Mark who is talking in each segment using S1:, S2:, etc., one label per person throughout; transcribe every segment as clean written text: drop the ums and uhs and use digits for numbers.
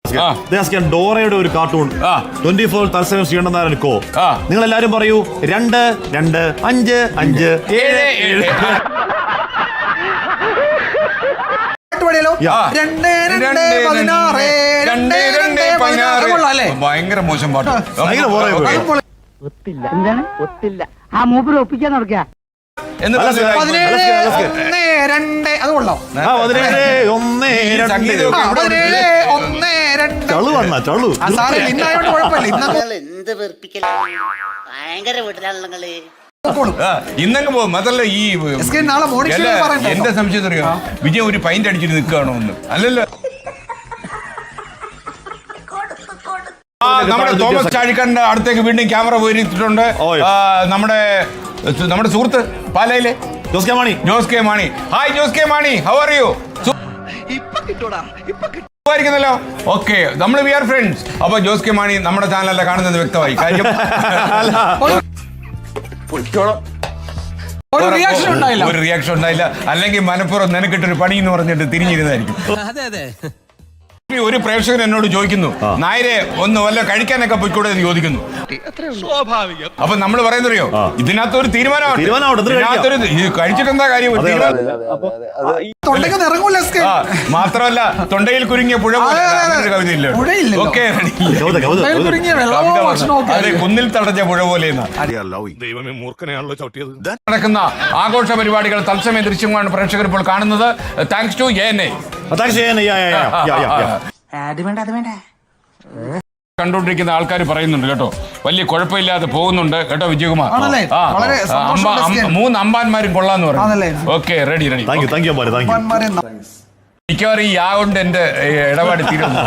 S1: ഡോറയുടെ ഒരു കാർട്ടൂൺ 24 തത്സമയം ചെയ്യണമെന്നായിരിക്കോ. നിങ്ങൾ എല്ലാരും പറയൂ 2 2 5 5 7
S2: ഭയങ്കര മോശം പാട്ട്.
S3: ഒത്തില്ല എന്താണ് ഒത്തില്ല ആ മൂപ്പര് ഒപ്പിക്കാൻ നടക്കുക.
S2: ഇന്നങ്ങ് പോകും. അതല്ല ഈ എന്റെ സംശയം അറിയാം, വിജയ് ഒരു പൈന്റ് അടിച്ചിട്ട് നിൽക്കുകയാണോ ഒന്ന്? അല്ലല്ലോ. നമ്മുടെ തോമസ് ചാഴിക്കാരന്റെ അടുത്തേക്ക് വീണ്ടും ക്യാമറ പോയിരിച്ചിട്ടുണ്ട്. നമ്മുടെ സുഹൃത്ത് പാലയിലെ Jose K Mani. Hi Jose K Mani, how are you? ല്ലോ. ഓക്കെ, നമ്മൾ വി ആർ ഫ്രണ്ട്സ്. അപ്പൊ ജോസ് കെ മാണി നമ്മുടെ ചാനലല്ല കാണുന്നത് വ്യക്തമായി. കാര്യം ഒരു റിയാക്ഷൻ ഉണ്ടായില്ല. അല്ലെങ്കിൽ മനപ്പുറം നിനക്കിട്ടൊരു പണി എന്ന് പറഞ്ഞിട്ട് തിരിഞ്ഞിരുന്നായിരിക്കും. ഒരു പ്രേക്ഷകൻ എന്നോട് ചോദിക്കുന്നു, നായരെ ഒന്ന് വല്ല കഴിക്കാനൊക്കെ പോയിക്കൂടെ എന്ന് ചോദിക്കുന്നു. അപ്പൊ നമ്മൾ പറയുന്നറിയോ, ഇതിനകത്ത് ഒരു തീരുമാനമാണ്. കഴിച്ചിട്ട് എന്താ കാര്യം? മാത്രമല്ല തൊണ്ടയിൽ കുരുങ്ങിയ പുഴ കവിതയില്ല. ഓക്കെ, അതെ, കുന്നിൽ തടഞ്ഞ പുഴ പോലെ നടക്കുന്ന ആഘോഷ പരിപാടികൾ തത്സമയ ദൃശ്യമാണ് പ്രേക്ഷകർ ഇപ്പോൾ കാണുന്നത്. Thanks to ANA. കണ്ടോണ്ടിരിക്കുന്ന ആൾക്കാർ പറയുന്നുണ്ട് കേട്ടോ, വലിയ കുഴപ്പമില്ലാതെ പോകുന്നുണ്ട് കേട്ടോ വിജയകുമാർ. 3 അമ്പാന്മാരും കൊള്ളാന്ന് പറഞ്ഞു. Okay, ready. മിക്കവാറും ഈ കൊണ്ട് എന്റെ ഇടപാട് തീരുന്നു.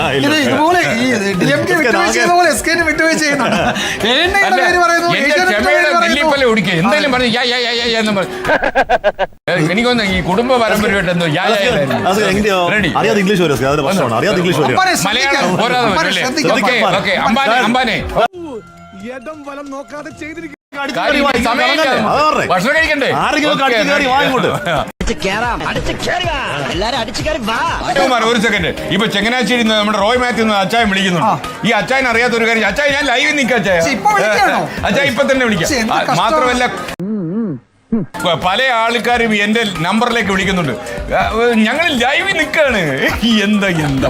S2: നെല്ലിപ്പല ഒടിക്കുക എന്തെങ്കിലും പറഞ്ഞു എനിക്കൊന്ന് ഈ കുടുംബ പാരമ്പര്യമായിട്ട് എന്തോ മലയാളം പോരാതെ. ഓക്കെ, അമ്പാനെ ഭക്ഷണം കഴിക്കണ്ടേ? ഒരു സെക്കൻഡ്. ഇപ്പൊ ചങ്ങനാശ്ശേരി നമ്മുടെ റോയ് മാത്യു അച്ചായൻ വിളിക്കുന്നുണ്ട്. ഈ അച്ചായൻ അറിയാത്ത ഒരു കാര്യം, അച്ചായൻ ഞാൻ ലൈവിൽ നിൽക്കാം. അച്ചായ ഇപ്പൊ തന്നെ വിളിക്കാം. മാത്രമല്ല പല ആൾക്കാരും എന്റെ നമ്പറിലേക്ക് വിളിക്കുന്നുണ്ട്, ഞങ്ങൾ ലൈവിൽ നിൽക്കാണ്. എന്താ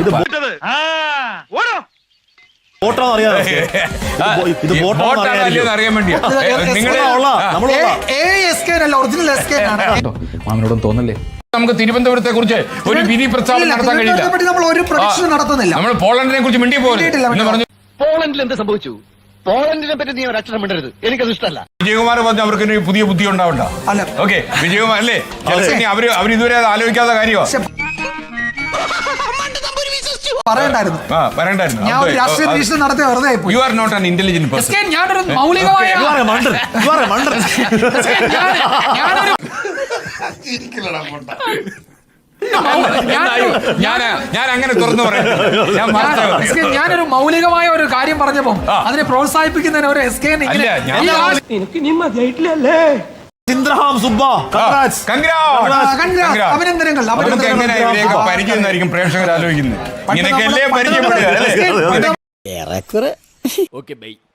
S2: അറിയാൻ വേണ്ടിയാ. മാമനോടും തോന്നല്ലേ നമുക്ക് തിരുവനന്തപുരത്തെ കുറിച്ച് ഒരു വിധി പ്രസ്താവന നടത്താൻ കഴിയില്ല. നമ്മൾ പോളണ്ടിനെ കുറിച്ച് മിണ്ടി പോലും പറഞ്ഞു.
S4: പോളണ്ടിൽ എന്ത് സംഭവിച്ചു? പോളണ്ടിനെ പറ്റി നീ ഒരു അക്ഷരം മിണ്ടരുത്, എനിക്കത് ഇഷ്ടമല്ല.
S2: വിജയകുമാർ പറഞ്ഞു അവർക്ക് പുതിയ ബുദ്ധി ഉണ്ടാവണ്ട. ഓക്കെ, വിജയകുമാർ അല്ലേ, അവർ ഇതുവരെ അത് ആലോചിക്കാത്ത കാര്യമാണ്. You are not an intelligent person. ഞാൻ അങ്ങനെ തുറന്നു പറയാം.
S5: ഞാനൊരു മൗലികമായ ഒരു കാര്യം പറഞ്ഞപ്പോ അതിനെ പ്രോത്സാഹിപ്പിക്കുന്നതിന് ഒരു
S2: അഭിനന്ദനങ്ങൾ. പരിചയം പ്രേക്ഷകർ ആലോചിക്കുന്നത് ഇങ്ങനെയൊക്കെ അല്ലേ പരിചയപ്പെടുക.